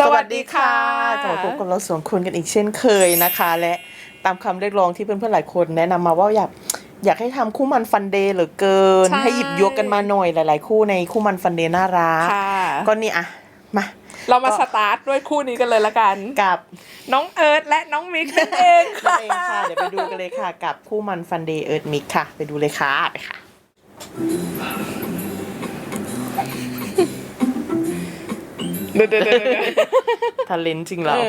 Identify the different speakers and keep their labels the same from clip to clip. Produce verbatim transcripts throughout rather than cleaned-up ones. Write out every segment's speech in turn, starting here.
Speaker 1: สวัสดีค่ะกลับมาพบกับเราสองคนกันอีกเช่นเคยนะคะและตามคำเรียกร้องที่เพื่อนๆหลายคนแนะนำมาว่าอยากอยากให้ทำคู่มันฟันเดย์เหลือเกินให้หยิบยกกันมาหน่อยหลายๆคู่ในคู่มันฟันเดย์น่ารักก็นี่อะมา
Speaker 2: เรามาสตาร์ทด้วยคู่นี้กันเลยละกัน
Speaker 1: กับ
Speaker 2: น้องเอิร์ธและน้องมิกนั่นเองค่ะ
Speaker 1: เองค่ะเดี๋ยวไปดูกันเลยค่ะกับคู่มันฟันเดย์เอิร์ธมิกค่ะไปดูเลยค่ะไปค่ะ
Speaker 2: เดี๋ยวเดี๋ยวเดี๋ยว
Speaker 1: ทาเลนจริงเรา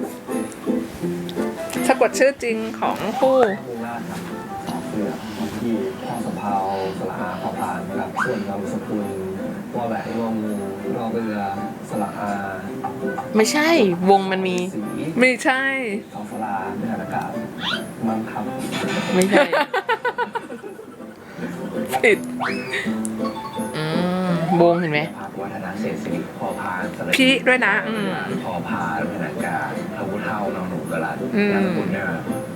Speaker 2: สะกดชื่อจริงของคู่
Speaker 3: มูลาครับเรือที่พ่อสะเพาสระอาพอพานนะครับส่วนนามสกุลวอแหวนงองูรอเรือสระอา
Speaker 1: ไม่ใช่วงมันมี
Speaker 2: ไม่ใช่
Speaker 3: ทองสลาไม่อากาศมังครับ
Speaker 1: ไม่ใช่
Speaker 2: ผิด
Speaker 1: อืมวงเห็นไหม
Speaker 3: วัฒนาเศรษฐศิริพอพานสระ
Speaker 2: พี่ด้วยนะอืม
Speaker 3: พอพานไม่อากาศพระพุทธเท่านอนหนูกระลัดนามสกุลเนี่ย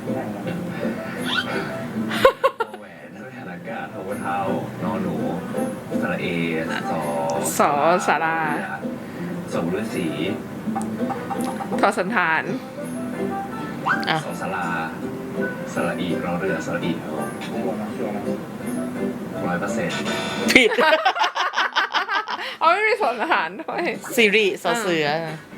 Speaker 3: แหวนไม่อากาศพระพุทธเท่านอนหนูสระเอสอ
Speaker 2: สอสารา
Speaker 3: สมฤาษี
Speaker 2: ทอสันฐาน
Speaker 3: สอสลาสระอีรอเรือสระอีร้อยเปอร์เซ็นต์
Speaker 1: ผิด
Speaker 2: เอาไม่มีสอนอาหารด้วย
Speaker 1: ซีรีส์สอเสือ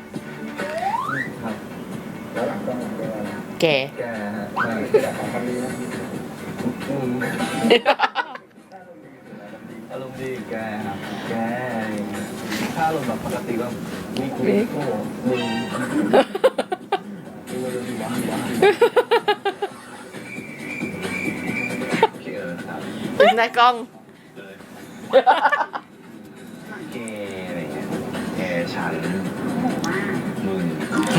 Speaker 1: แก
Speaker 3: แกฮะแกของคำนี้นะอารมณ์ดีแกครับแกถ้าอารมณ์แบบปกติก็มีคุยโก้มึงมึงจะดีวะดีวะพี่เอิร์ธครับ
Speaker 1: เป็นนายกล้อง
Speaker 3: แกอะไรเงี้ยแกฉันมึง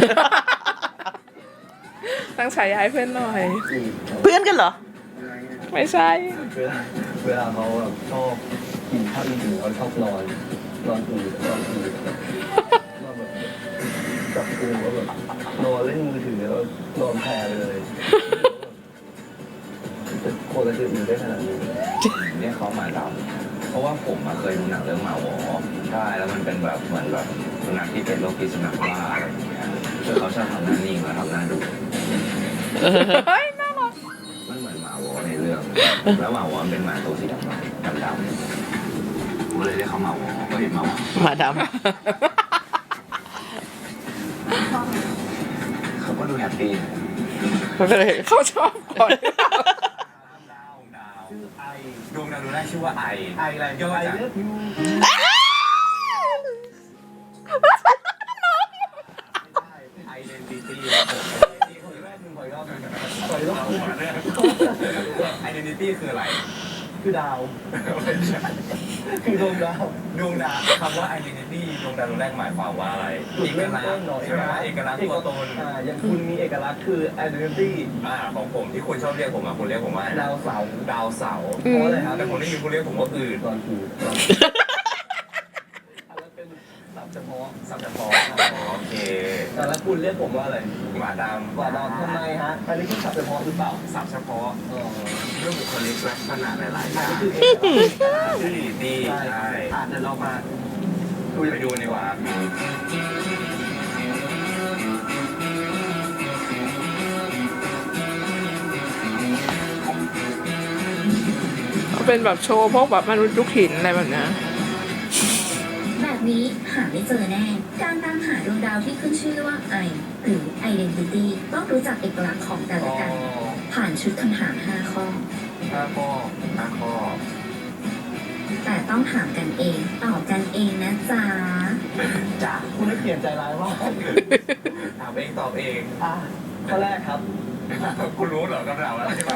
Speaker 2: ตั้งฉายาให้เพื่อนหน่อย
Speaker 1: เพื่อนกันเหรอ
Speaker 2: ไม่ใช่
Speaker 3: เวลาเวลาเขาแบบชอบกินข้าวอิ่มเขาชอบนอนนอนอืดนอนอืดนอนแบบจับกูแล้วแบบนอนเล่นมือถือแล้วนอนแผ่เลยจะโคตรจะอืดได้ขนาดนี้เนี่ยเขามาดำเพราะว่าผมเคยดูหนังเรื่องหมาหวอใช่แล้วมันเป็นแบบเหมือนแบบสุนัขที่เป็นโรคพิษสุนัขบ้าอะไรอย่างเงี้ยคือเขาชอบทำหน้านิ่งและทำหน้าดุ
Speaker 2: เฮ้ยน่ารัก
Speaker 3: มันเหมือนหมาหวอในเรื่องแล้วหมาหวอเป็นหมาตัวสีดำดำดำผมเลยเรียกเขาหมาหวอก็เห็นหมาหวอ
Speaker 1: หมาดำ
Speaker 3: เขาก็ดูแฮปปี้
Speaker 2: เขาชอบคน
Speaker 3: ดวงดาวดวงแรกชื่อว่าไอไออะไรย่อจากไอเดนติตี้ไอเดนติตี้คืออะไรคือดาวคือดวงดาวดวงดาวคำว่าไอเดนติตี้ดวงดาวดวงแรกหมายความว่าอะไรเอกลักษณ์ใช่ไหมเอกลักษณ์ตัวตนอย่างคุณมีเอกลักษณ์คือไอเดนติตี้ของผมที่คุณชอบเรียกผมอ่ะคุณเรียกผมว่าดาวเสาร์ดาวเสาร์เพราะอะไรครับแต่ผมได้ยินคุณเรียกผมว่าอื่นตอนอื่นสับเฉพาะสับเฉพาะโอเคแล้วคุณเรียกผมว่าอะไรหมาดำหมาดำทำไมฮะอันนี้คือสับเฉพาะหรือเปล่าสับเฉพาะเรื่องบุคลิกลักษณะหลายๆอย่างที่ดีใช่อ่านเดี๋ยวเรามาดูไปดูดีกว่า
Speaker 2: เป็นแบบโชว์พวกแบบมนุษย์ยุคหินอะไรแบบนี้
Speaker 4: แบบนี้หาไม่เจอแน่ การตามหาดวงดาวที่ขึ้นชื่อว่าไอหรือ Identity ต้องรู้จักเอกลักษณ์ของแต่ละกันผ่านชุดคำถามห้าข้อ
Speaker 3: ห้าข้อห้าข้อ
Speaker 4: แต่ต้องถามกันเองตอบกันเองนะจ๊ะ
Speaker 3: จ้าคุณได้เขียนใจร้ายว่าถามเองตอบเองอ่ะข้อแรกครับคุณรู้เหรอคำถามอะไรใช่ไหม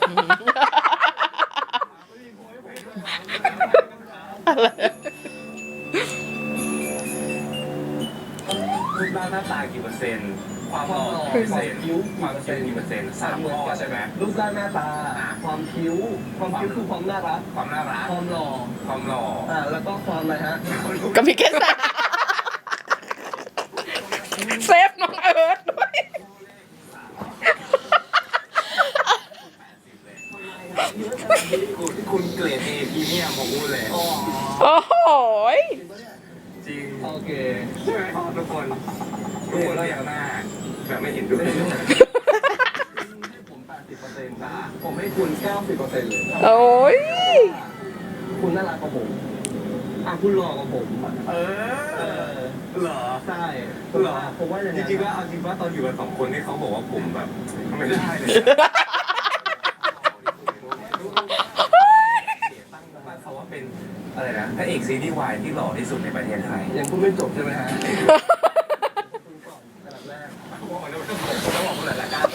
Speaker 3: รูปร่างหน้าตากี่เปอร์เซ็นต์ความหล่อเปอร์เซ็นต์คิ้วความเซ็นกี่เปอร์เซ็นต์สามข้อใช่ไหมรูปร่างหน้าตาความคิ้วความคิ้วคือความน่ารักความน่ารักความหล่อความหล่ออ่าแล้วก็ความอะไรฮะ
Speaker 1: ก็มีแค่สาม
Speaker 2: เซฟน้องเอิร์ธด้วย
Speaker 3: คุณเกรดเอพรีเมียมของคุณเลย
Speaker 2: โอ้โห
Speaker 3: จริงโอเคใช่ไหมครับทุกคนทุกคนเราอยากหน้าแบบไม่เห็นด้วยให้ผมแปดสิบเปอร์เซ็นต์ค่ะผมให้คุณเก้าสิบเปอร์เซ็นต์เลย
Speaker 2: โอ้ย
Speaker 3: คุณน่ารักกว่าผมอ่ะคุณหล่อกว่าผมเออเหรอใช่เหรอผมว่าอย่างจริงๆว่าเอาจริงว่าตอนอยู่กันสองคนนี่เขาบอกว่าผมแบบไม่ได้เลยตั้งเขาว่าเป็นอะไรนะพระเอกซีรีส์วายที่หล่อที่สุดในประเทศไทยยังพูดไม่จบใช่ไหมฮะคุณก่อนอันดับแรกเขาบอกว่าเราต้องบอกต้องบอกคนหลายๆการ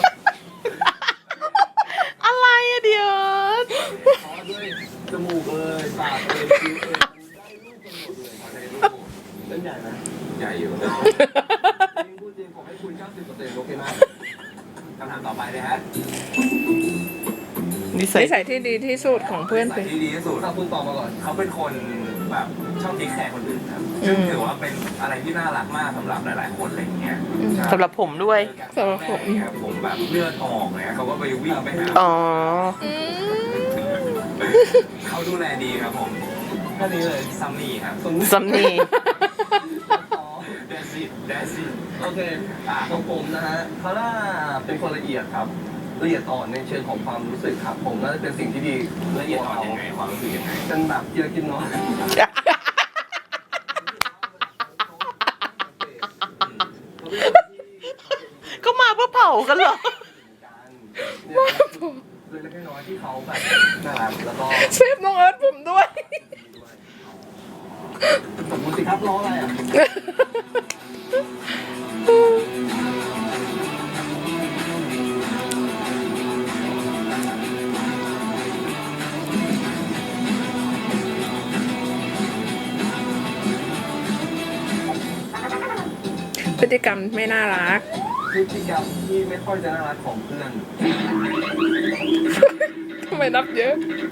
Speaker 1: อะไรอะเดี๋ยว
Speaker 3: ขอด้วยจมูกเลยปากเลยคิ้วเลยได้รูปกันหมดเลยได้รูปเล่นใหญ่ไหมใหญ่อยู่จริงพูดจริงผมให้คุณเก้าสิบเปอร์เซ็นต์โอเคไหมคำถามต่อไปเลยฮะ
Speaker 1: นิสัย
Speaker 2: นิสัยที่ดีที่สุดของเพื่อน
Speaker 3: ใส่
Speaker 2: คือ
Speaker 3: ที่ดีที่สุดถ้าคุณตอบมาก่อนเขาเป็นคนแบบชอบเทคแคร์คนอื่นครับซึ่งถือว่าเป็นอะไรที่น่ารักมากสำหรับหลายๆคนอะไรอย่างเงี้ย
Speaker 1: สำหรับผมด้วย
Speaker 2: สำหรับผม
Speaker 3: ผมแบบเลือดออกเนี่ยเขาก็ไปวิ่งไปหา
Speaker 1: อ๋อ
Speaker 2: อืม
Speaker 3: เขาดูแลดีครับผมแค่นี้เลยซัมมี่ครับ
Speaker 1: ซัมนี่
Speaker 3: เดซิเดซิโอเคอ่าของผมนะฮะเขาน่าเป็นคนละเอียดครับละเอียดอ่อนในเชิงของความรู้สึกครับผมน่าจะเป็นสิ่งที่ดีละเอียดอ่อนยังไงความรู้สึกยังไงเป็นแบบกินกินน้อย
Speaker 1: ก็มาเพื่อเผากันเหรอ
Speaker 3: เล็กๆน้อยๆที่เขาแบบน่ารักแล้วก็
Speaker 2: เซฟน้องเอิร์ธผมด้วย
Speaker 3: สมมติสิครับล้ออะไรอ่ะ
Speaker 2: พฤติกรรมไม่น่ารัก
Speaker 3: พฤติกรรมที่ไม่ค่อยจะน่ารักของเพื่อน
Speaker 2: ทำไมนับเยอะ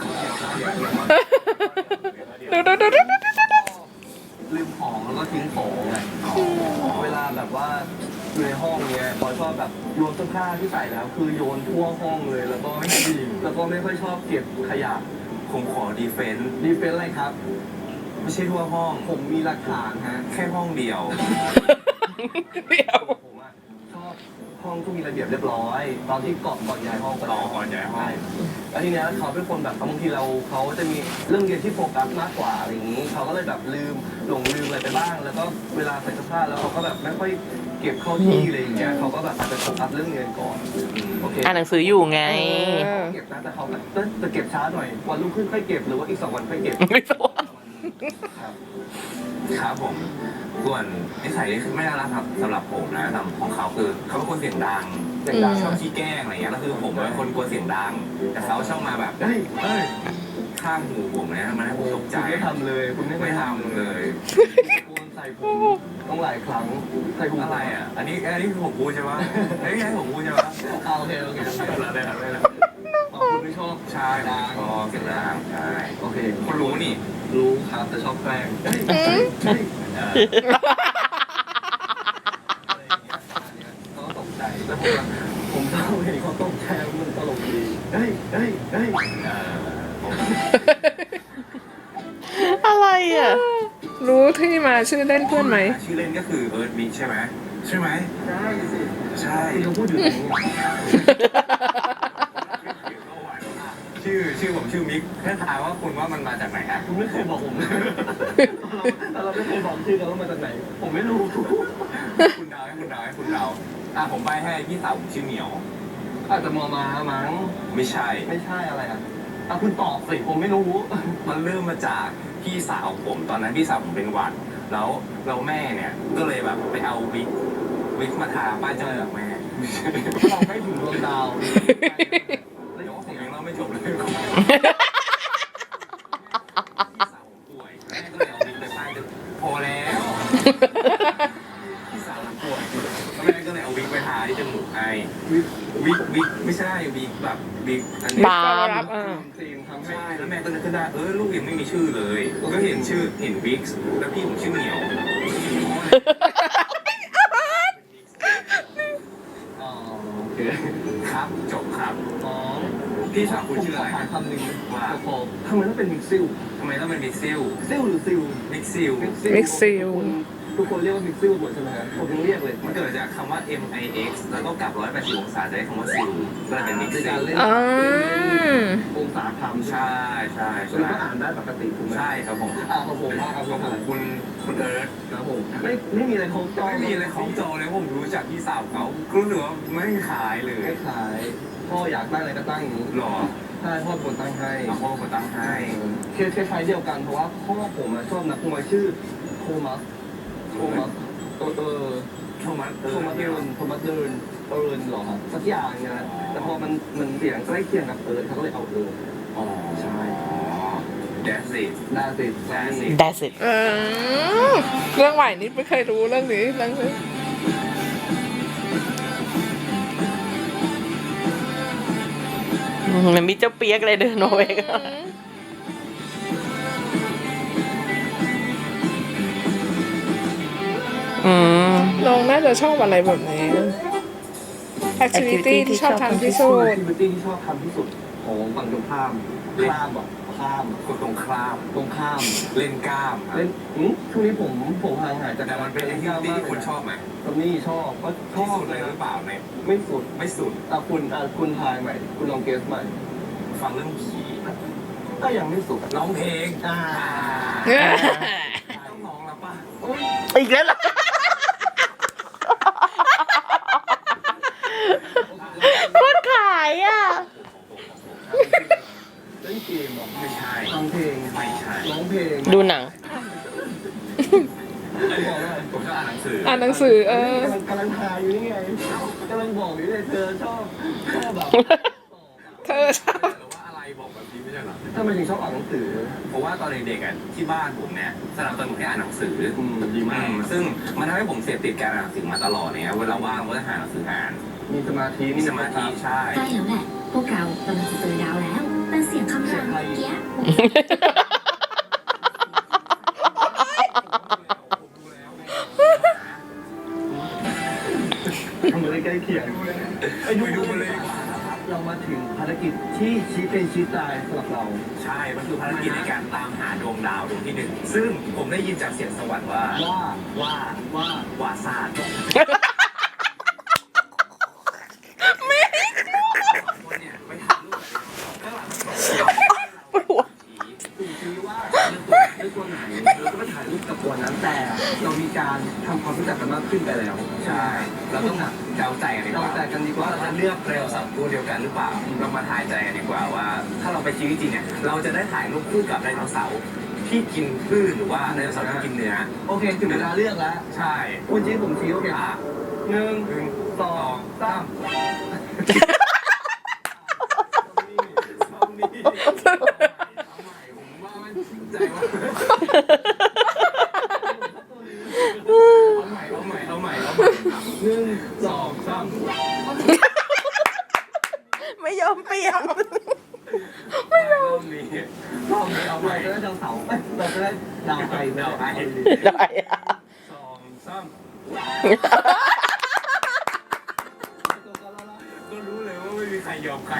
Speaker 2: ดูดูดูดูดูดูดู
Speaker 3: ลืมของแล้วก็ทิ้งของไงเวลาแบบว่าอยู่ในห้องเนี้ยพอชอบแบบโยนเสื้อผ้าที่ใส่แล้ว คือโยนทั่วห้องเลยแล้วก็ไม่ดีแล้วก็ไม่ค่อยชอบเก็บขยะผมขอดีเฟนต์ดีเฟนต์อะไรครับ ไม่ใช่ทั่วห้องผมมีหลักฐานฮะแค่ห้องเดียว
Speaker 2: เดี๋ยว
Speaker 3: ผมอะชอบห้องที่มีระเบียบเรียบร้อย ตอนที่ก่อนก่อนย้ายห้องไปแล้วก่อนย้ายห้องแล้วทีเนี้ยเขาเป็นคนแบบบางทีเราเขาจะมีเรื่องเรียนที่โฟกัสมากกว่าอะไรอย่างนี้เขาก็เลยแบบลืมหลงลืมอะไรไปบ้าง แล้วก็เวลาใส่เสื้อผ้าแล้วเขาก็แบบไม่ค่อยเก็บเข้าที่อะไรอย่างเงี้ยเขาก็แบบอาจจะโฟกัสเรื่องเรียนก่อนโอเค
Speaker 1: อ่านหนังสืออยู่ไง
Speaker 3: เก็บนะแต่เขาแบบจะเก็บช้าหน่อยวันรุ่งขึ้นค่อยเก็บหรือว่าอีกสองวันค่อยเก็บ
Speaker 1: ไม่สน
Speaker 3: ครับครับผมส่วนนิสัยที่ไม่น่ารักครับสำหรับผมนะสำหรับของเขาคือเขาเป็นคนเสียงดังเสียงดังชอบขี้แกล้งอะไรเงี้ยแล้วคือผมเป็นคนกลัวเสียงดังแต่เขาชอบมาแบบเฮ้ยเฮ้ยข้างหูผมเนี่ยมันให้ผมตกใจไม่ทำเลยคุณไม่ทำเลยโกนใส่ผมต้องหลายครั้งใส่ผมอะไรอ่ะอันนี้อันนี้คือผมพูดใช่ไหมอันนี้ให้ผมพูดใช่ไหมโอเคโอเคได้แล้วได้แล้วอ๋อคุณไม่ชอบใช่ชอบเสียงดังใช่โอเคคุณรู้นี่รู้ครับแต่ชอบแกล้งเฮ้ยเฮ้ยเขาตกใจแล้วผมผมเศร้าเห็นเขาตกใจมันตลกดีเฮ้ยเฮ้ยเฮ้ย
Speaker 1: อะไรอ่ะ
Speaker 2: รู้ที่มาชื่อเล่นเพื่อนไหม
Speaker 3: ชื่อเล่นก็คือเอิร์ธมิกใช่ไหมใช่ไหมใช่สิใช่คุณพูดอยู่ตรงนี้ชื่อชื่อผมชื่อมิกแค่ถามว่าคุณว่ามันมาจากไหนฮะคุณไม่เคยบอกผมเลยเราเราไม่เคยบอกชื่อกันว่ามาจากไหนผมไม่รู้คุณเดาให้คุณเดาให้คุณเดาอ่ะผมไปให้พี่สาวผมชื่อเหมียวอาจจะมอมามั้งไม่ใช่ไม่ใช่อะไรอ่ะอ่ะคุณตอบสิผมไม่รู้มันเริ่มมาจากพี่สาวผมตอนนั้นพี่สาวผมเป็นหวัดแล้วเราแม่เนี่ยก็เลยแบบไปเอาวิกวิกมาทาป้ายเจ้าหลักแม่เราไม่ถึงดวงดาวเดี๋ยวผมยังเล่าไม่จบเลยพี่สาวผมป่วยแม่ก็เลยเอาวิกไปป้ายพอแล้วพี่สาวผมป่วยแม่ก็เลยเอาวิกไปทาที่จมูกให้วิกวิกวิกไม่ใช่วิกแบบวิกอันนี้
Speaker 1: บาล์ม
Speaker 2: รับอ่า
Speaker 3: ครีมทำให้แล้วแม่ก็นึกขึ้นได้เออลูกยังไม่มีชื่อเลยก็เห็นชื่อเห็นวิกแล้วพี่ผมชื่อเหมียวอ๋อโอเคครับจบครับอ๋อพี่สาวคุณชื่ออะไรคำหนึ่งว่าทำไมต้องเป็นมิกซิลทำไมต้องเป็นมิกซิลซิลหรือซิลมิกซิล
Speaker 2: มิกซิล
Speaker 3: ค
Speaker 5: ทุกคนเรียกว่าพิกซิลหมดใช่ไหมฮะผมยังเรียกเลย
Speaker 3: มันเกิดจากคำว่า เอ็ม ไอ เอ็กซ์ แล้วก็กลับหนึ่งร้อยแปดสิบองศาจะได้คำว่าซิลก็เลยเป็นมิกซ์ซิล
Speaker 2: อ่า
Speaker 5: องศาคำ
Speaker 3: ใช่ใช่
Speaker 5: แล้ว
Speaker 3: ใช่
Speaker 5: ก็อ่านได้ปกติถูกไหม
Speaker 3: ใช่ครับผม
Speaker 5: อ่าของผมว่าเอา
Speaker 3: ข
Speaker 5: ข
Speaker 3: อ
Speaker 5: อง ง
Speaker 3: ผมคุณคุณเอิร์ธ
Speaker 5: ครับผมไม่ไม่มีอะไรของจอ
Speaker 3: ไม่มีอะไรของจอเลยผมรู้จักพี่สาวเขารู้หรือว่าไม่ขายเลย
Speaker 5: ไม่ขายพ่ออยากตั้งอะไรก็ตั้งอย่างนี้
Speaker 3: หรอ
Speaker 5: ใช่พ่อเป็นคนตั้งให้
Speaker 3: เอาพ่อมาตั้งให้
Speaker 5: เคสคล้ายๆเดียวกันเพราะว่าพ่อผมอะชอบนักมวยชื่อโทมัสโทมัสเออเออ
Speaker 3: โทมัส
Speaker 5: โทมัสเดินโทมัสเดินเอิร์นหรอครับสักอย่างเนี่ยแหละแต่พอมันมันเสียงใกล้เคียงกับเอิร์นเขาก็เลยเอาเอิร์น
Speaker 3: อ๋อใช่แดนสิ
Speaker 5: น่าสิ
Speaker 3: แดนสิ
Speaker 1: That's it
Speaker 2: เออเรื่องใหม่นี้ไม่เคยรู้เรื่องนี้เรื่องนี้
Speaker 1: มันมีเจ้าเปียกเลยเดินมาเวกอืม
Speaker 2: น้องน่าจะชอบอะไรแบบนี้ activity ที่ชอบทำที่สุด
Speaker 5: แอคทิวิตี้ที่ชอบทำที่สุดของฝั่งตรงข้ามข้ามบอกข้าม
Speaker 3: คนตรงข้าม
Speaker 5: ตรงข้าม
Speaker 3: เล่นกล้ามครับ
Speaker 5: เล่นอืมช่วงนี้ผมผมห่างหายจาก
Speaker 3: แต่มันเป็นแอคทิวิตี้ที่คุณชอบไหม
Speaker 5: ตอนนี้ชอบก็ช
Speaker 3: ที่
Speaker 5: อบ
Speaker 3: สุดเลยหรือเปล่าใน
Speaker 5: ไม่สุด
Speaker 3: ไม่สุด
Speaker 5: อ่ะคุณอ่ะคุณทายใหม่ คุณลองเกสใหม่
Speaker 3: ฟังเรื่องผี
Speaker 5: ก็ยังไม่สุด
Speaker 3: ร้องเพลง
Speaker 5: อ่า
Speaker 3: ต้องร้องแล้วป่ะ
Speaker 5: โอ้ย
Speaker 1: อีกแล้วเหรอโคตรขายอ่ะ
Speaker 5: เล่นเกมเหรอ
Speaker 3: ไม่ใช่
Speaker 5: ฟังเพลง
Speaker 3: ไม่ใช่
Speaker 5: ร้องเพลง
Speaker 1: ดูหนัง
Speaker 5: บอกว่า
Speaker 3: ผมชอบอ่านหนังสือ
Speaker 2: อ่านหนังสือเออ
Speaker 5: กำลังกำลังทายอยู่นี่ไงกำลังบอกอยู่เลยเธอชอบชอบแบบ
Speaker 2: เธอชอบ
Speaker 3: หรือว่าอะไรบอกแบบนี้ไม่ใช่เหรอ
Speaker 5: ทำไมถึงชอบอ่านหนังสือ
Speaker 3: เพราะว่าตอนเด็กๆอ่ะที่บ้านผมเนี่ยสนับสนุนให้อ่านหนังสือ
Speaker 5: อืมดีมาก
Speaker 3: อืมซึ่งมันทำให้ผมเสพติดการอ่านหนังสือมาตลอดเนี่ยเวลาว่างก็จะหาหนังสืออ่าน
Speaker 5: มีสมาธิ
Speaker 3: มีสมาธิใช่
Speaker 4: ใกล้แล้วแหละ พวกเรากำลังจะเจอดาวแล้ว แต่เสียงคำรามเมื่อกี้
Speaker 5: ทำอะไรใกล้เคียงไปดู
Speaker 3: ไปดูมันเลยดีกว่า
Speaker 5: เรามาถึงภารกิจที่ชี้เป็นชี้ตายสำหรับเรา
Speaker 3: ใช่ มันคือภารกิจในการตามหาดวงดาวดวงที่หนึ่งซึ่งผมได้ยินจากเสียงสวรรค์ว่า
Speaker 5: ว่า
Speaker 3: ว่า
Speaker 5: ว่า
Speaker 3: วาซาดคนเนี่ยไปถ่ายรูปกับข้างหลัง
Speaker 1: ปวดหัว
Speaker 5: ดูซิว่าเลือกตัวไหนเราก็ไปถ่ายรูปกับตัวนั้นแต่เรามีการทำความรู้จักกันมากขึ้นไปแล้ว
Speaker 3: ใช่ เราต้องเดาใจกันดีกว่า
Speaker 5: เดาใจกันดีกว่า
Speaker 3: ว่าเราจะเลือกเร็วสับตัวเดียวกันหรือเปล่า เรามาทายใจกันดีกว่าว่า ถ้าเราไปชีวิตจริงเนี่ย เราจะได้ถ่ายรูปคู่กับไดโนเสาร์ที่กินพืชหรือว่าไดโนเสาร์ที่กินเนื้อ
Speaker 5: โอเคถึงเวลาเลือกแล้ว
Speaker 3: ใช่
Speaker 5: คุณชี้ผมชี้โอเค
Speaker 3: อ่ะ
Speaker 5: หนึ่ง
Speaker 3: หนึ่ง
Speaker 5: สองสาม
Speaker 3: เอานี่เอาใหม่ผมว่ามันจริงใจว่าเอาใหม่เอาใหม่เอาใหม่เอาใหม่
Speaker 5: หนึ่งสองสาม
Speaker 1: ไม่ยอมเปลี่ยน
Speaker 3: ไม่รอบนี้รอบนี้เอาให
Speaker 5: เรา
Speaker 3: ม่
Speaker 5: จะได้ดาวเสาร์เอ้ยเราจะได้ดาวไฟ
Speaker 3: ดาวไอ
Speaker 1: ได้อะ
Speaker 3: สองสามก็รู้เลยว่าไม่มีใครยอมใคร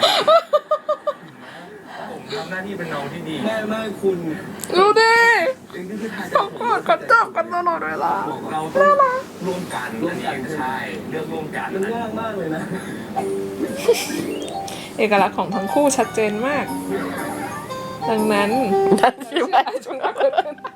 Speaker 3: ผมทำหน้าที่เป็นน้องที่ดี
Speaker 5: แม่แม่คุณ
Speaker 2: ดูดิ
Speaker 5: เองที่คือทาย
Speaker 2: เขากอดเขาจับกันตลอดเวลา
Speaker 3: เราต้องร่วมกันร่วมกันใช่เลือกร่วมกัน
Speaker 5: มันยากมากเลยนะ
Speaker 2: เอกลักษณ์ของทั้งคู่ชัดเจนมาก ดังนั้น
Speaker 1: นั่นสิว่า
Speaker 2: จงรักเกิดขึ้น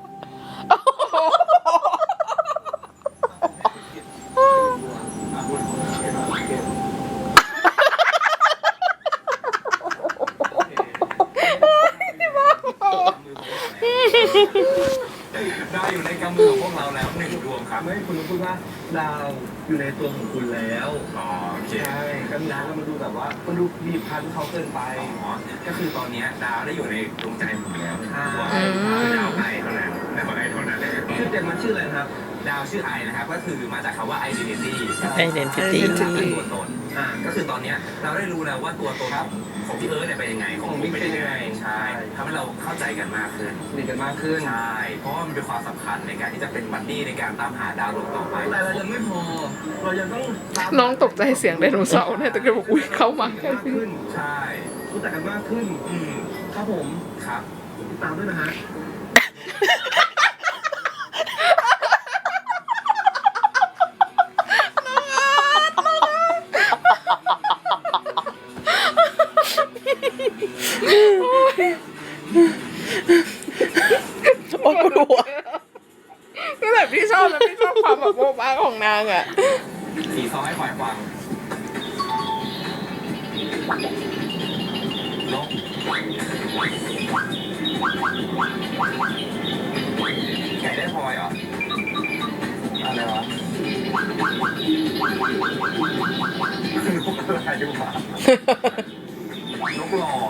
Speaker 3: ดาวอยู่ในกำมือของพวกเราแล้วหนึ่งดวงครับ
Speaker 5: ไม่คุณรู้พูดว่าดาวอยู่ในตัวของคุณแล้ว
Speaker 3: อ๋อโอเค
Speaker 5: ใช่ก็ดาวมันดูแบบว่ามันดูบีบคั้นเขาเกินไป
Speaker 3: อ๋อก็คือตอนนี้ดาวได้อยู่ในดวงใจผมแล้ว
Speaker 5: ใช่
Speaker 3: ว่าดาวไอเท่านั้นดาวไอเท่านั้น
Speaker 5: ชื่อเต็มมันชื่ออะไรนะครับ
Speaker 3: ดาวชื่อไอนะครับก็คือมาจากคำว่า identity
Speaker 1: Identity
Speaker 3: คือตัวตนอ่าก็คือตอนเนี้ยเราได้รู้แล้วว่าตัวตนของของพี่เอิร์ธเนี่ยเป็นยังไงของผมเป็นยังไงใช่ทำให้เราเข้าใจกันมากขึ้น
Speaker 5: สนิทกันมากขึ้น
Speaker 3: ใช่ เพราะว่ามันเป็นความสำคัญในการที่จะเป็นบัดดี้ในการตามหาดาวดวงต่อไป
Speaker 5: แต่เรายังไม่พอ เรายังต้องตาม
Speaker 2: น้องตกใจเสียงไดโนเสาร์เนี่ยแต่ก็บอกอุ้ยเข้ามา
Speaker 5: กัน
Speaker 2: แค่
Speaker 5: มาก
Speaker 2: นี้
Speaker 5: ขึ้น
Speaker 3: ใช่
Speaker 5: รู้จักกันมากขึ้น
Speaker 3: อืม
Speaker 5: ครับผม
Speaker 3: ครับ
Speaker 5: ติดตามด้วยนะฮะ
Speaker 1: โอ้ยปวดหัว
Speaker 2: ก็แบบพี่ชอบแล้วพี่ชอบความแบบโบ๊ะบ้าของนางอ่ะ
Speaker 3: สีซอให้ควายฟังนกไก่ได้พลอยเหรออะไรวะนกอะไรวะนกหล่อ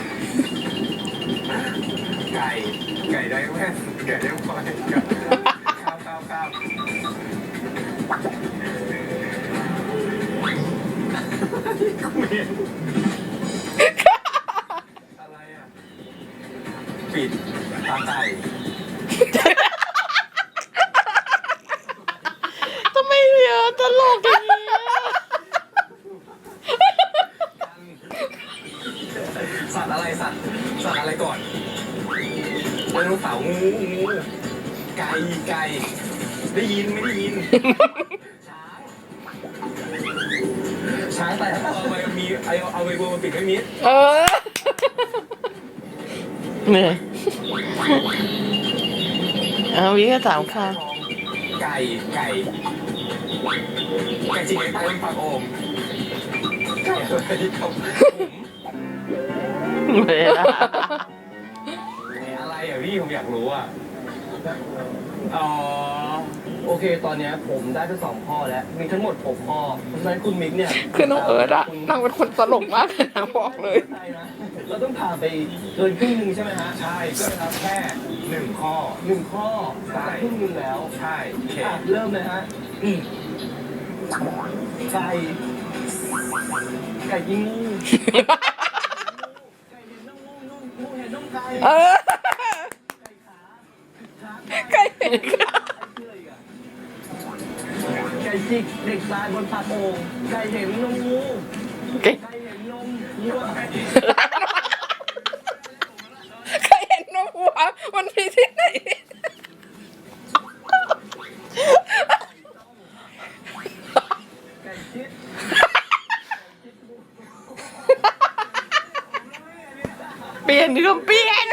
Speaker 3: ไก่ไก่ได้แว่นไก่ได้พลอยข้าวข้าวข้าวอะไรอ่ะปิดตาไก่
Speaker 1: ทำไมเยอะตลกอย่างนี้อะ
Speaker 3: สัตว์อะไรสัตว์สัตว์อะไรก่อนไดโนเสาร์งูงูไก่ไก่ได้ยินไม่ได้ยินช้างช้างแต่เอาไปมีเอาเอาไปบัวมาปิดไม่มิด
Speaker 2: เออ
Speaker 1: เนี่ยเอาวิก็ถามค่ะ
Speaker 3: ไก่ไก่ไก่จริงไก่ตายเป็นปากโอ่งไก่อะไรครับ
Speaker 1: เวลา
Speaker 3: อะไรอ่ะพี่ผมอยากรู้อ่ะอ๋อ
Speaker 5: โอเค ตอนเนี้ยผมได้ไปสองข้อแล้ว มีทั้งหมดหกข้อ เพราะฉะนั้นคุณมิกเนี่ย
Speaker 2: คือน้องเอิร์ธอะนางเป็นคนตลกมากเลยนะบอกเลย
Speaker 5: ใช่นะเราต้องผ่านไปเกินครึ่งหนึ่งใช่ไหมฮะ
Speaker 3: ใช่ก็ครับแค่หนึ่งข้อ
Speaker 5: หนึ่งข้อ
Speaker 3: ใช่
Speaker 5: ครึ่งหนึ่งแล้ว
Speaker 3: ใช่โอเค
Speaker 5: อ่ะเริ่มเลยฮะอืมไก่ไก่ยิงงูไก่เห็นน้องงูงูงูเห็นน้องไก่
Speaker 2: เออ
Speaker 5: ไก่ขาช้าง
Speaker 2: ใครเห็นค่ะ
Speaker 5: ไก่จิกเด็กตายบนปากโอ่งไก่เห็นนมงู
Speaker 1: เก่ง
Speaker 5: ไก่เห็นนมวัว
Speaker 2: ใครเห็นนกวัวมันมีที่ไหน
Speaker 5: ไก่ชิด
Speaker 1: เปลี่ยนเรื่องเปลี่ยน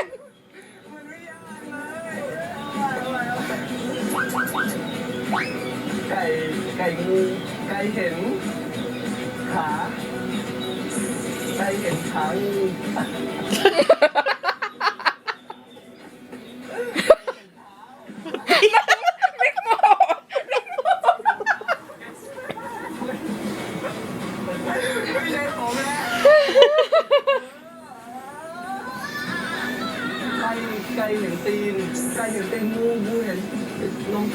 Speaker 5: ไก่ไก่งูไก่เห็นขาไก่เห็นขางู
Speaker 2: ไม่โม
Speaker 3: ไม่ใช่ผมแล้ว
Speaker 5: ไก่ไก่เห็นตีนไก่เห็นตีนงูงูเห็นนมไก่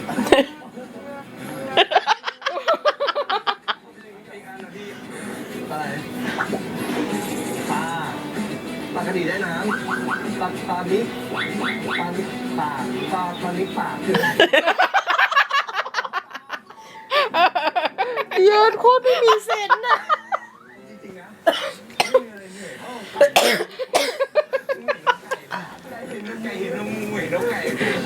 Speaker 5: อะไรปลาปลากระดีได้น้ำปลาปลานิกปลานิกปลาปลาปลานิกปลาคืออะไร
Speaker 1: เยอะโคตรไม่มีเซนส์อะ
Speaker 5: จริงๆนะไม่มีอะไรเหนื่อยเท่าไก่เห็นนม
Speaker 3: ไก่
Speaker 5: ไก่
Speaker 3: เห็นนมงูเห็นนกไก่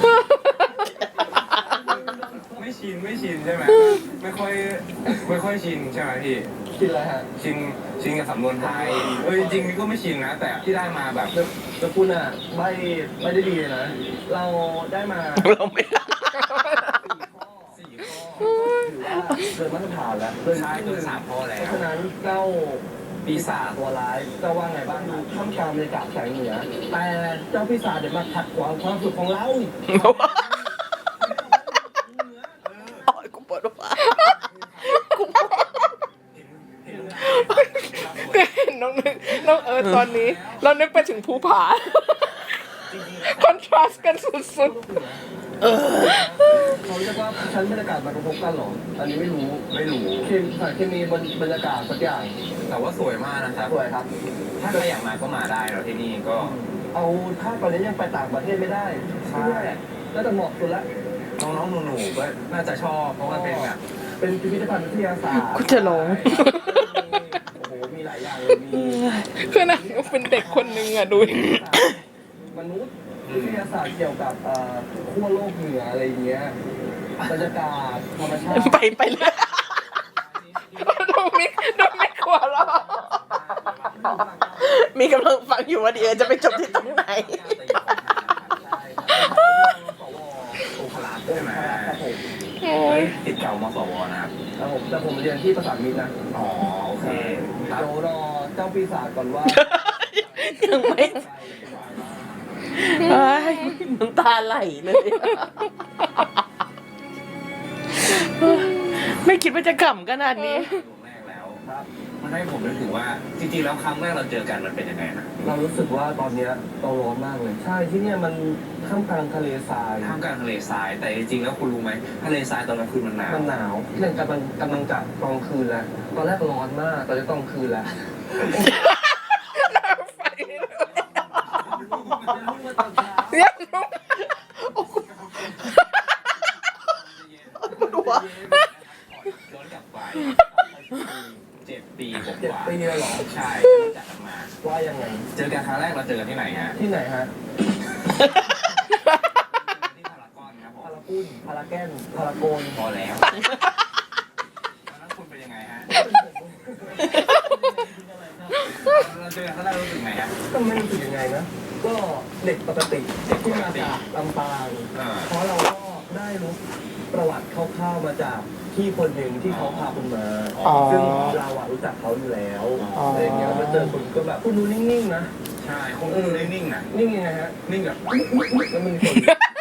Speaker 3: ไม่ชินไม่ชินใช่ไหมไม่ค่อยไม่ค่อยชินใช่ไหมพี่
Speaker 5: กินอะไรฮะ
Speaker 3: ชินชินกับสำนวนไทยเออจริงๆนี่ก็ไม่ชินนะ แต่ที่ได้มาแบบ
Speaker 5: แต่แต่คุณอ่ะไม่ไม่ได้ดีเลยนะ เราได้มา
Speaker 1: เราไม่ได้
Speaker 3: สี่ข้อ
Speaker 5: ถือว่าเกินมาตรฐานแล้ว
Speaker 3: ใช่เกินสามข้อแล้
Speaker 5: เพราะ
Speaker 3: ว
Speaker 5: ฉะนั้นเจ้า
Speaker 3: ปีศาจ
Speaker 5: ตัวร้ายเจ้าว่าไงบ้างดูท่ามกลางบรรยากาศแสงเหนือแต่เจ้าปีศาจเดี๋ยวมาขัดขวางความสุขของเรา
Speaker 1: โอ้ยกูปวดหัว
Speaker 2: ก็เห็นน้องนึกน้องเอิร์ธตอนนี้ เรานึกไปถึงภูผา คอนทราสต์กันสุด
Speaker 5: เขาเรียกว่าชั้นบรรยากาศมากระทบกันเหรอ อันนี้ไม่รู้
Speaker 3: ไม่รู้
Speaker 5: เคมีสารเคมีบนบรรยากาศสักอย่าง
Speaker 3: แต่ว่าสวยมากนะครับ
Speaker 5: สวยครับ
Speaker 3: ถ้าใครอยากมาก็มาได้เราที่นี่ก็
Speaker 5: เอาถ้าตอนนี้ยังไปต่างประเทศไม่ได้
Speaker 3: ใช่
Speaker 5: ที่นี่แหละน่าจะเหมาะสุดละ
Speaker 3: น้องๆหนูๆก็น่าจะชอบเพราะมันเป็นแบบ
Speaker 5: เป็นพิพิธภัณฑ์วิทยาศาสตร์
Speaker 1: กูจะร้อง
Speaker 5: โอ้โห มีหลายอย่างเลยมี
Speaker 2: ๆ คือนางก็เป็นเด็กคนนึงอะดูดิ
Speaker 5: มนุษย์วิทยาศาสตร์เกี่ยวกับเอ่อขั้วโลกเหนืออะไรอย่างเงี้ย บรรยากาศธรรมชาติ
Speaker 1: ไปไปเลย
Speaker 2: ดูมิกดูมิกหัวเราะ
Speaker 1: มีกำลังฟังอยู่ว่าเดี๋ยวจะไปจบที่ตรงไหน
Speaker 5: ใช่ครับสว
Speaker 3: โอคลาสใช่ไหม
Speaker 5: ครับผม
Speaker 2: โอ้ย
Speaker 3: ติดเก่ามสวนะครับ
Speaker 5: ครับผมแต่ผมเรียนที่ประสานมิตรนะ
Speaker 3: อ๋อโอเคครับ
Speaker 5: เดี๋ยวรอเจ้าปีศาจก่อนว่า
Speaker 1: ยังไม่เอ้ยน้ำตาไหลเลย ไม่คิดว่าจะขำขนาดนี้
Speaker 3: ครั้งแรกแล้วครับมันให้ผมนึกถึงว่าจริงๆแล้วครั้งแรกเราเจอกันมันเป็นยังไงนะ
Speaker 5: เรารู้สึกว่าตอนเนี้ยเราร้อนมากเลย ใช่ที่เนี่ยมันท่ามกลางทะเลทราย
Speaker 3: ท่ามกลางทะเลทรายแต่จริงๆแล้วคุณรู้ไหมทะเลทรายตอนกลางคืนมันหนาว
Speaker 5: มันหนาวเนี่ยกำลังกำลังจะตอนคืนแล้วตอนแรกร้อนมากตอนนี้ตอนคืนแล้ว
Speaker 2: เรียกลูก
Speaker 1: ดูวะ
Speaker 3: ย้อนกลับไปเจ็ดปีก
Speaker 5: เจ็ด
Speaker 3: ว่า
Speaker 5: ปีเลยเหรอ
Speaker 3: ใช่จากกันมา
Speaker 5: ว่ายังไง
Speaker 3: เจอกันครั้งแรกเราเจอกันที่ไหนฮะ
Speaker 5: ที่ไหนฮะ
Speaker 3: ที่พารากอนครับผม
Speaker 5: พารากุ้นพาราแกนพาราโกน
Speaker 3: พอแล้วตอนนั้นคุณเป็นยังไงฮะเราเจอกันครั้งแรกรู้สึกไงฮะ
Speaker 5: ก็ไม่รู้สึกยังไงนะ ก็เด็กปกติเด็กที่มาจากลำปาง
Speaker 3: อ่า
Speaker 5: เพราะเราก็ได้รู้ประวัติคร่าวๆมาจากพี่คนหนึ่งที่เขาพาคุณมา
Speaker 1: อ๋อ
Speaker 5: ซึ่งเราอะรู้จักเขาอยู่แล้ว
Speaker 1: อ๋ออ
Speaker 5: อะไรอย่างเงี้ยแล้วมาเจอคุณก็แบบคุณดูนิ่งๆนะ
Speaker 3: ใช่คงดูนิ่งๆนะ
Speaker 5: นิ่งยังไงฮะ
Speaker 3: นิ่งแบบ
Speaker 5: แล้วมันมีคน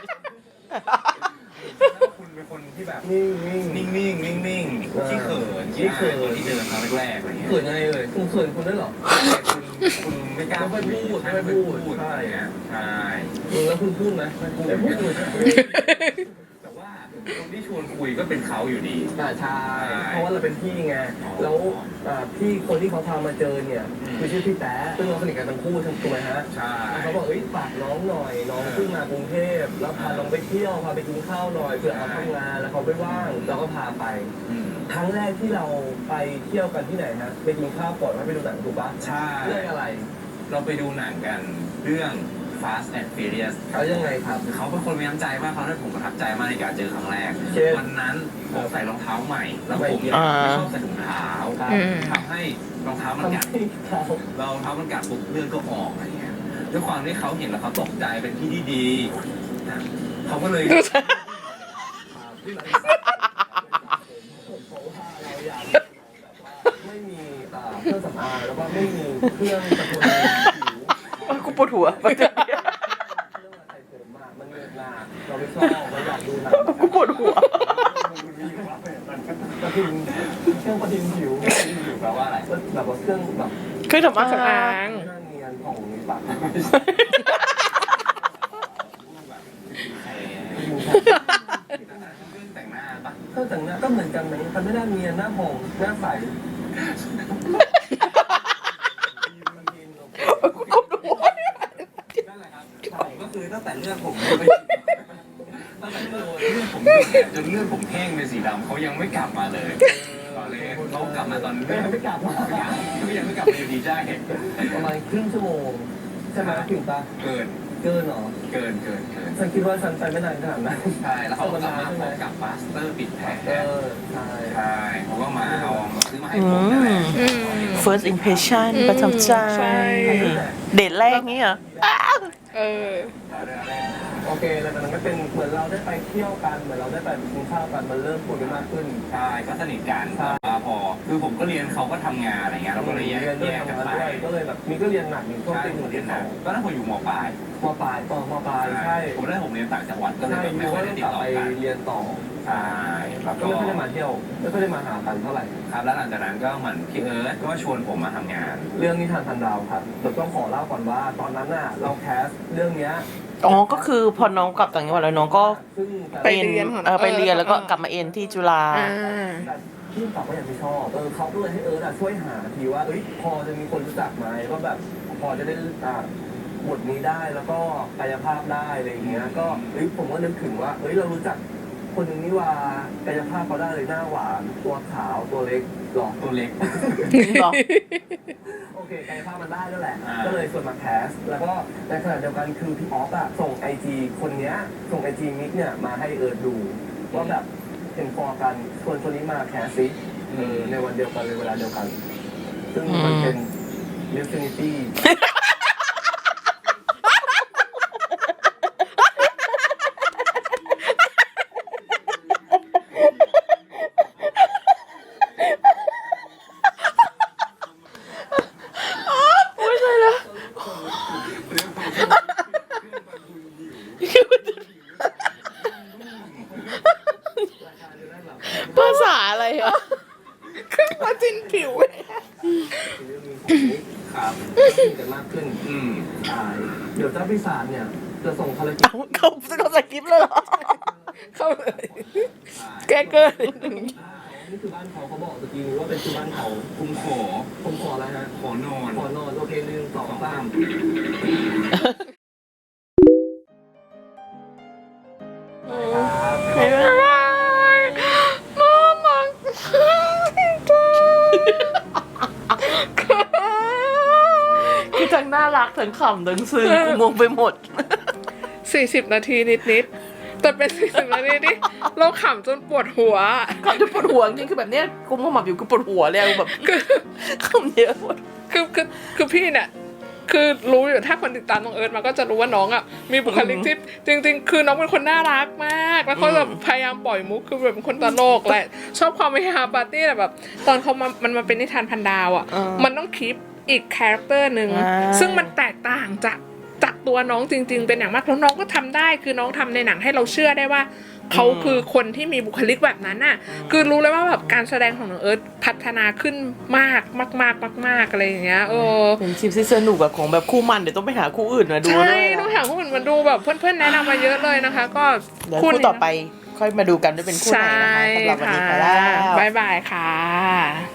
Speaker 3: คุณเป็นคนที่แบบ
Speaker 5: นิ่งนิ่ง
Speaker 3: นิ่งๆนิ่งๆขี้เขินขี้เขินที่เจอกันครั้งแรกๆอะไรเงี้ย
Speaker 5: เขินยังไงเลยคุณเขินคุณด้วยเหรอ
Speaker 3: คุณคุณไม่กล้า
Speaker 5: ไม่ค่อยพูด
Speaker 3: ใช่
Speaker 5: ไม่
Speaker 3: ไม่
Speaker 5: ค่
Speaker 3: พู
Speaker 5: อยพู
Speaker 3: ด
Speaker 5: ด
Speaker 3: ใช่ฮะใช่
Speaker 5: อืมแล้วคุณพูดไหมไม่พูดไม่พูด
Speaker 3: แต่ว่าคนที่ชวนคุยก็เป็นเขาอยู่ดี
Speaker 5: อ่าใช่เพราะว่าเราเป็นพี่ไงแล้วอ่าพี่คนที่เขาพามาเจอเนี่ย
Speaker 3: อืม
Speaker 5: คือชื่อพี่แต๊ะซึ่งเราสนิทกันทั้งคู่ทั้งตัวฮะ
Speaker 3: ใช่
Speaker 5: แล้วเขาบอกเอ้ยฝากน้องหน่อยน้องเพิ่งมากรุงเทพแล้วพาน้องไปเที่ยวพาไปกินข้าวหน่อยเผื่อเขาทำงานแล้วเขาไม่ว่างเราก็พาไป
Speaker 3: อืม
Speaker 5: ครั้งแรกที่เราไปเที่ยวกันที่ไหนฮะไปกินข้าวก่อนแล้วไปดูหนังถูกปะ
Speaker 3: ใช่
Speaker 5: เรื่องอะไร
Speaker 3: เราไปดูหนังกันเรื่อง Fast and Furious
Speaker 5: เขายังไงครับ
Speaker 3: เขาเป็นคนมีน้ำใจมากเขาได้ผมประทับใจมากในการเจอครั้งแรก
Speaker 5: เช่น
Speaker 3: วันนั้นผมใส่รองเท้าใหม่ แล้วผม
Speaker 1: อ่า
Speaker 3: ไม่ชอบใส่ถุงเท้า
Speaker 5: ครับ
Speaker 2: อืม
Speaker 3: ทำให้รองเท้ามัน
Speaker 5: ทำ
Speaker 3: กัด
Speaker 5: ให้เขา
Speaker 3: เรารองเท้ามันกัดปุ๊บเลือดก็ออกอะไรเงี้ยด้วยความที่เขาเห็นแล้วเขาตกใจเป็นที่ที่ดีนะเขาก็เลย
Speaker 5: ไม่มีอ่าเครื่องสำอางแล้วก็ไม่มีเครื่องตะกุนผิว
Speaker 1: กูปวดหัว
Speaker 5: เรื่องอะไรเสริมมามันเงินนาเราไม่ชอบเราอยากดูหนัง
Speaker 1: กูปวดหัว
Speaker 5: ประทินเครื่องประทินผิว
Speaker 3: แปลว่าอะไร
Speaker 5: แบบว่าเครื่องแบบ
Speaker 1: เครื่องทำอา
Speaker 2: สำ
Speaker 1: หา
Speaker 2: อาร ง
Speaker 5: หน้าเนียนของปาก
Speaker 3: แต่งหน้าปะ
Speaker 5: เครื่องแต่งหน้าก็เหมือนกันไหมทำให้หน้าเนียนหน้าผ่องหน้าใส
Speaker 1: กูปวดหัว
Speaker 3: นั่นแหละครับผมก็คือตั้งแต่เลือดผมไปตั้งแต่เลือดเลือดผมเนี่ยจนเลือดผมแห้งเป็นสีดำเขายังไม่กลับมาเลยตอนแรกเขากลับมาตอน
Speaker 5: ไม่ไม่กลับมา
Speaker 3: ยังเขายังไม่กลับมาอยู่ดีใช่
Speaker 5: ประมาณครึ่งชั่วโมงใช่ไหมถึงปะ
Speaker 3: เกิน
Speaker 5: เกินเหรอ
Speaker 3: เกินเกินเกิน
Speaker 5: ฉันคิดว่าฉันไปไม่นานขนาดนั้น
Speaker 3: ใช่แล้วเขาก็กลับมาพร้อมกับบัสเตอร์ปิดแผล
Speaker 5: เออใช่
Speaker 3: ใช่เขาก็มาเอาซื้อมาให้
Speaker 1: อื
Speaker 3: ผมนั่นแหละ
Speaker 1: ม
Speaker 2: อืม
Speaker 1: first impression
Speaker 2: อืม
Speaker 1: ประทับใจ
Speaker 2: ใช่
Speaker 1: เดทแรกนี่เหรอ
Speaker 2: เออ
Speaker 5: โอเคแล้วมันก็เป็นเหมือนเราได้ไปเที่ยวกันเหมือนเราได้ไปกินข้าวกันมันเริ่มคุยกันมากขึ้น
Speaker 3: ใช่ก็สนิทกันแต่ว่าพอคือผมก็เรียนเขาก็ทำงานอะไรเงี้ยเราก็เลยแยก
Speaker 5: เรียนด้ว
Speaker 3: แย
Speaker 5: ย
Speaker 3: กกัน
Speaker 5: ทำงาน
Speaker 3: ไป
Speaker 5: ด้วยก็เลยแบบมีก็เรียนหนักมีช่วง
Speaker 3: ใช่
Speaker 5: เป็นห
Speaker 3: ผ
Speaker 5: นึ่
Speaker 3: ม
Speaker 5: ง
Speaker 3: เรี
Speaker 5: เรี
Speaker 3: ย
Speaker 5: ย
Speaker 3: น
Speaker 5: น
Speaker 3: ห
Speaker 5: ส
Speaker 3: นั
Speaker 5: อก ง
Speaker 3: ก็นั่นผมอยู่มปลาย
Speaker 5: มปลายต่อมปลายใช่
Speaker 3: ผมได้ผมเรียนต่างจังหวัดก็เลย
Speaker 5: ใช่
Speaker 3: แบบ
Speaker 5: ยู
Speaker 3: ไม่ค่อย
Speaker 5: ก็
Speaker 3: ได้
Speaker 5: ต้อง
Speaker 3: ติ
Speaker 5: ก
Speaker 3: ด
Speaker 5: ลับ
Speaker 3: ต่อ
Speaker 5: ไป
Speaker 3: กัน
Speaker 5: เรียนต่อ
Speaker 3: ใช่แล้ว
Speaker 5: ก็
Speaker 3: ก็
Speaker 5: ไม่ค่อยได้มาเที่ยวไม่ค่อยได้มาหากันเท่าไหร่
Speaker 3: ครับแล้วหลังจากนั้นก็เหมือนพี่เอิร์ธก็ชวนผมมาทำงาน
Speaker 5: เรื่องนิทานพันดาวครับเดี๋ยวต้องขอเล่าก่อนว่าตอนนั้นน่ะเราแคสเรื่องเนี้ย
Speaker 1: อ๋อ ก็คือพอน้องกลับต่างจังหวัดแล้วน้องก็
Speaker 5: ซึ่ง
Speaker 2: ไปเรียนของ
Speaker 1: เออไปเรียนแล้วก็
Speaker 2: เออ
Speaker 1: กลับมาเอ็นที่จุฬา
Speaker 2: อ่า
Speaker 5: ที่กลับก็ยังไม่ชอบเออเขาก็เลยให้เอิร์ธอะช่วยหาทีว่าเอ้ยพอจะมีคนรู้จักไหมว่าแบบพอจะได้อ่าบทนี้ได้แล้วก็กายภาพได้อะไรอย่างเงี้ยก็เอ้ยผมก็นึกถึงว่าเอ้ยเรารู้จักคนหนึ่งนี่ว่ากายภาพเขาได้เลยหน้าหวานตัวขาวตัวเล็กหล่อ
Speaker 3: ตัวเล็ก
Speaker 1: หรอ
Speaker 5: โอเคกายภาพมันได้แล้วแหละ
Speaker 3: อ่า
Speaker 5: ก็เลยชวนมาแคส แล้วก็ในขณะเดียวกันคือพี่ออฟอะส่งไอจีคนเนี้ย ส่งไอจีมิกเนี่ยมาให้เอิร์ดดู ว่าแบบเป็นฟอร์กันชวนคนนี้มาแคสซิเออในวันเดียวกันเลยเวลาเดียวกัน ซึ่งมันเป็น Definity
Speaker 1: ภาษาอะไรอ่ะ
Speaker 2: ขึ้นมาจินผิว
Speaker 3: ครับ
Speaker 5: กันมากขึ้น
Speaker 3: อืม
Speaker 5: อ่าเดี๋ยวเจ้าพิศาจเนี่ยจะส่งภารกิจ
Speaker 1: เอาเขาจะเขาสกิปเลยเหรอ
Speaker 2: เข้าเลยแก้เกินนิดนึง
Speaker 5: นี่คือบ้านเขาเขาบอกตะกี้นี้ว่าเป็นชื่อบ้านเขา
Speaker 3: ผมขอ
Speaker 5: ผมขออะไรฮะ
Speaker 3: ขอนอน
Speaker 5: ขอนอนโอเคหนึ่งสองสาม
Speaker 2: บ๊ายบายน่ารัก
Speaker 1: คือทั้งน่ารักทั้งขำทั้งซึ้งกูงงไปหมด
Speaker 2: สี่สิบนาทีนิดๆแต่เป็นสี่สิบนาทีที่เราขำจนปวดหัว
Speaker 1: ขำจะปวดหัวจริงๆคือแบบเนี้ยกูมัวหมับอยู่กูปวดหัวเลยแบบ
Speaker 2: คือ
Speaker 1: ขำเยอะหมด
Speaker 2: คือคือคือพี่เนี่ยคือรู้อยู่ถ้าคนติดตามน้องเอิร์ธมาก็จะรู้ว่าน้องอ่ะมีบุคลิกที่จริง ๆ คือน้องเป็นคนน่ารักมากแล้วเขาแบบพยายามปล่อยมุกคือแบบเป็นคนตลกแหละชอบความเฮฮาปาร์ตี้แต่แบบ ตอนเขามามันมาเป็นนิทานพันดาวอ่ะ
Speaker 1: อ่ามั
Speaker 2: มันต้องคีปอีกคาแรคเตอร์หนึ่ง
Speaker 1: อ่า
Speaker 2: ซึ่งมันแตกต่างจากจากตัวน้องจริง ๆ เป็นอย่างมากแล้วน้องก็ทำได้คือน้องทำในหนังให้เราเชื่อได้ว่าเขาคือคนที่มีบุคลิกแบบนั้นน่ะคือรู้เลยว่าแบบการแสดงของน้องเอิร์ธพัฒนาขึ้นมากมากมากมากมากอะไรอย่างเงี้ยเออ
Speaker 1: เป็นคลิปที่สนุกอะของแบบคู่มันเดี๋ยวต้องไปหาคู่อื่นมาดู
Speaker 2: ใช่
Speaker 1: ด้วย
Speaker 2: ต้องหาคู่อื่นมาดูแบบเพื่อนๆแนะนำมาเยอะเลยนะคะ ก็
Speaker 1: เดี๋ยวคู่
Speaker 2: นี้
Speaker 1: ต่อไปค่อยมาดูกันด้วยเป็นคู่ไหนนะคะสำหรับวันนี้ไปแล้ว
Speaker 2: บ๊ายบายค่ะ